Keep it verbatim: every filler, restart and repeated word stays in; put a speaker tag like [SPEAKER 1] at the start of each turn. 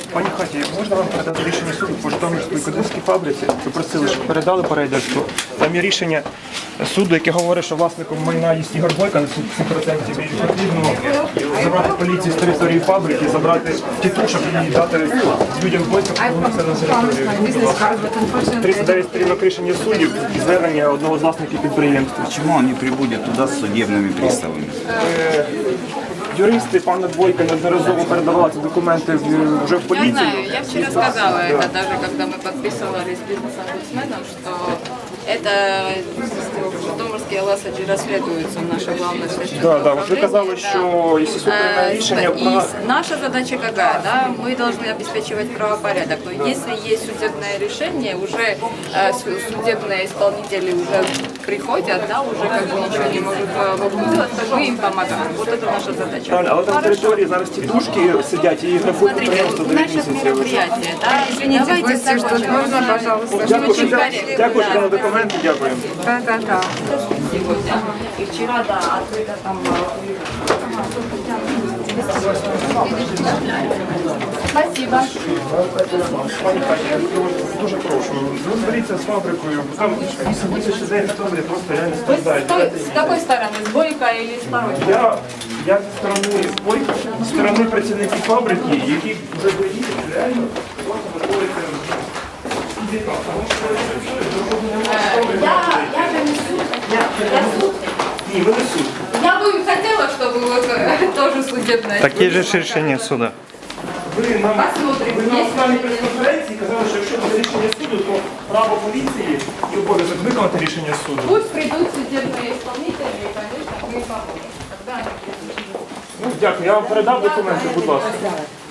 [SPEAKER 1] Пані Хаті, можна вам передати рішення суду по Житомирській кодинській фабриці? Ви просили, щоб передали по рейдерству. Там є рішення суду, яке говорить, що власником майна є Ігор Бойко на сто відсотків і потрібно забрати поліцію з території фабрики, забрати тітушок і дати людям Бойко, щоб вони все на територію. тридцять дев'ять сторінок рішення суддів і звернення одного з власників підприємства.
[SPEAKER 2] Почему он не прибудет туда с судебными приставами?
[SPEAKER 1] Юристи пана Бойка неодноразово передавали ці документи в- вже в
[SPEAKER 3] Я
[SPEAKER 1] поліцію.
[SPEAKER 3] знаю, я вчера сказала это даже, когда мы подписывали с бизнес-омбудсменом, что это в Житомирской ЛСАДЖ расследуется наша главная следственная
[SPEAKER 1] Да, да, вот вы сказали, что если суд принимает решение
[SPEAKER 3] И
[SPEAKER 1] про-
[SPEAKER 3] наша задача какая, да, мы должны обеспечивать правопорядок, но если есть судебное решение, уже э, су- судебные исполнители уже приходят, да, уже как бы ничего не могут э, могут сделать, то мы им помогаем. Вот это наша задача.
[SPEAKER 1] Правильно, але там на території зараз тітушки сидять і їх рахують
[SPEAKER 3] Смотрите,
[SPEAKER 1] підприємство
[SPEAKER 3] у
[SPEAKER 1] дев'ять
[SPEAKER 3] наших
[SPEAKER 1] місяців.
[SPEAKER 3] мероприятий, да, извините,
[SPEAKER 4] Давайте закончим. Можно, пожалуйста?
[SPEAKER 1] Дякую,
[SPEAKER 3] Очень
[SPEAKER 1] дя-
[SPEAKER 3] корректно,
[SPEAKER 1] дякую,
[SPEAKER 3] да.
[SPEAKER 1] що дали документи, дякую.
[SPEAKER 4] Да, да, да.
[SPEAKER 3] сегодня. И вчера, да, открыто там. Спасибо.
[SPEAKER 1] Пані Катя, я дуже прошу, розберіться з фабрикою, там вісім тисяч людей в Житомирі просто реально
[SPEAKER 3] Вы с,
[SPEAKER 1] страждають.
[SPEAKER 3] той- с какой стороны? С Бойко или с второй?
[SPEAKER 1] Я, я зі сторони Бойка, зі сторони працівників фабрики, які вже доїдуть, реально просто виходите.
[SPEAKER 3] Я, я же не суд. Я суд.
[SPEAKER 1] Ні, ви не суд.
[SPEAKER 3] Я бы хотела, чтобы вот э, тоже судебное.
[SPEAKER 5] Такі ж рішення суду.
[SPEAKER 1] Ви нам
[SPEAKER 3] Посмотрим.
[SPEAKER 1] ви на
[SPEAKER 3] Есть
[SPEAKER 1] останній прес-конференції казали, що якщо буде рішення суду, то право поліції і обов'язок виконати рішення суду.
[SPEAKER 3] Пусть придут судебные исполнители, и, конечно, мы поможем. Тогда они придут.
[SPEAKER 1] Ну, дякую, я вам передав документи, будь ласка.